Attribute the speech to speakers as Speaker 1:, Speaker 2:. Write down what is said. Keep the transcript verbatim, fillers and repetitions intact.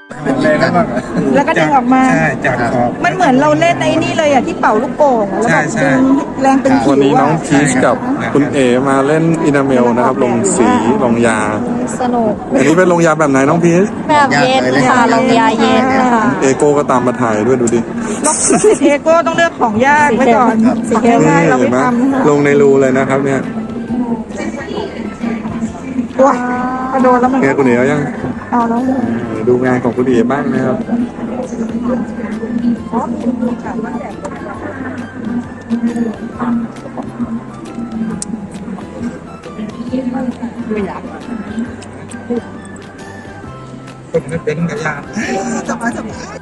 Speaker 1: แรงแล้วบ้าง
Speaker 2: แล้วก็ดึงออกมา
Speaker 1: ใช่จากขอบ
Speaker 2: มันเหมือนเราเล่นไอ้นี่เลยอ่ะที่เป่าลูกโป่งอะแล้วแบบ
Speaker 1: ใช่
Speaker 2: ดึงแรงเป็นผิว
Speaker 3: วันนี้น้อง
Speaker 2: อะ
Speaker 3: พีชกับคุณเอมาเล่นอินาเมลนะครับ ลงสีลงยา
Speaker 2: สนุก
Speaker 3: อันนี้เป็นลงยาแบบไหนน้องพีช
Speaker 2: แบบเย็นค่ะลงยาเย็นค่ะ
Speaker 3: เอโก้ก็ตามมาถ่ายด้วยดูดิ
Speaker 2: ลูกศิษย์เอโก้ต้องเลือกของยากไว้ก่อนของง่ายๆเรา
Speaker 3: เห็
Speaker 2: ไม่
Speaker 3: นไหม
Speaker 2: ทำนะคะ
Speaker 3: ลงในรูเลยนะครับเนี่ย
Speaker 2: ว้าพอโดนแล้วมัน
Speaker 3: ไงคุณเอ๋เอายัง
Speaker 2: เอาแล้ว
Speaker 3: ดูงานของคุณเอ๋บ้างนะครับ
Speaker 1: คนนั้นเป็นกระยาสบายสบาย